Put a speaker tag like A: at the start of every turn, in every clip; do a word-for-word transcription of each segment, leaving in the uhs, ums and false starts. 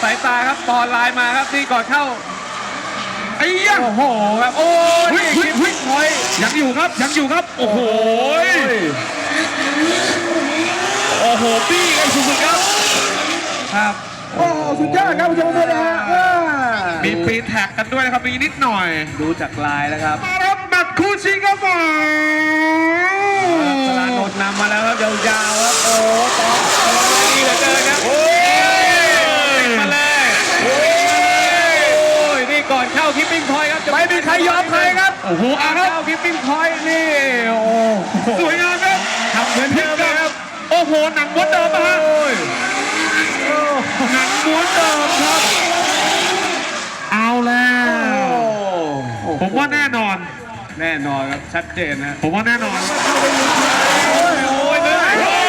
A: ายตาครับบอลไลน์มาครับนี่ก่อนเข้า
B: ไอ้ยัง
A: โอ้โหครับโอ้ย
B: เฮ้ย
A: นี่
B: เฮ้
A: คิ
B: ย
A: ป
B: เฮ้
A: ปิ้
B: ย
A: งพอยต์
B: ยังอยู่ครับยังอยู่ครับโอ้โหโอ้โหปี้กันสุดๆครับ
A: ครับ
C: โอ้สุดยอดครับผู้ชมด้วยนะฮะว้า
B: มีปีนแท็กกันด้วยนะครับมีนิดหน่อย
A: ดูจากลายแล้วครับ
B: มาครับแมตช์คู่ชิงครับผม
A: สลานนท์นำมาแล้วครับยาวๆครับโอ้ต่อนี่เหลือเกินครับ
B: โอ้ย
A: มาเลยโอ้ยนี่ก่อนเข้าคิปปิ้งพอยต์ครับจะไม่มีใครยอมใครครับ
B: โอ้โหอ่ะครับ
A: เข้าคิปปิ้งพอยต์นี่โอ้โห
B: สวยงามครับ
A: ทำเหมือนเดิมเลยครับ
B: โอ้โหหนังม้วนเดิมนะฮะ
A: โอ้ย
B: หนังม้วนเดิมครับ เอาแล้ว ผมว่าแน่นอน
A: แน่นอนครับชัดเจนนะ
B: ผมว่าแน่นอน
A: โอ้ยเลย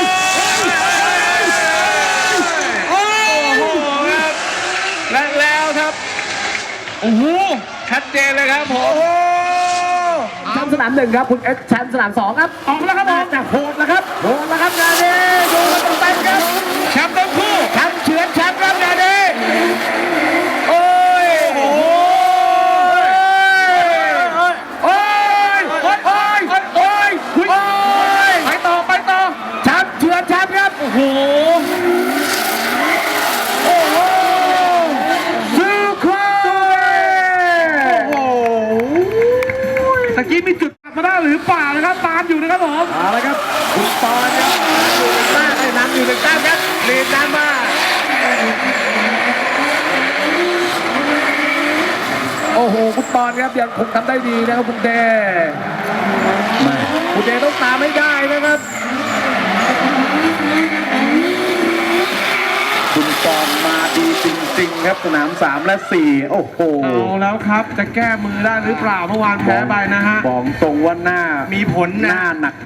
B: โอ้โห
A: ครับและแล้วครับ
B: โอ้โห
A: ชัดเจนเลยครับผม
C: แชมป์สนามหนึ่งครับคุณเอสแชมป์สนามสองครับ
B: ออกแล้วครับผม
C: จะโหดแล้วครับโหดแล้วครับงานนี้ดูกันเต็มๆครับ
B: แชมป์ทั้งคู่
C: แชมป์เฉือนแชมป์ครับงานนี้โอ้ย
B: โอ้โห
C: โอ้ยโอ้ยโอ้ยโอ้ยโอ้ยโอ้ย
B: ไปต่อไปต่อ
C: แชมป์เฉือนแชมป์ครับ
B: โอ้โห
C: โอ้โหสุดยอด
B: โอ้โหตะกี้มีจุดตัดมาได้หรือเปล่านะครับ ตามอยู่นะครับผม
C: เอาละครับคุณปอนครับอยู่ในบ้านให้นำอยู่ในแต้มครับเรียนน้ำมาโอ้โหคุณปอนครับยังคงทำได้ดีนะครับคุณเดคุณเดต้องตามให้ได้นะครับ คุณปอนมาดีจริงๆครับสนามสามและสี่โอ้โห
B: เอาแล้วครับ จะแก้มือได้หรือเปล่าเมื่อวานแพ้ไปนะฮะ
C: บอกตรงว่าหน้า
B: มีผล
C: ห
B: นะ
C: น้าหนัก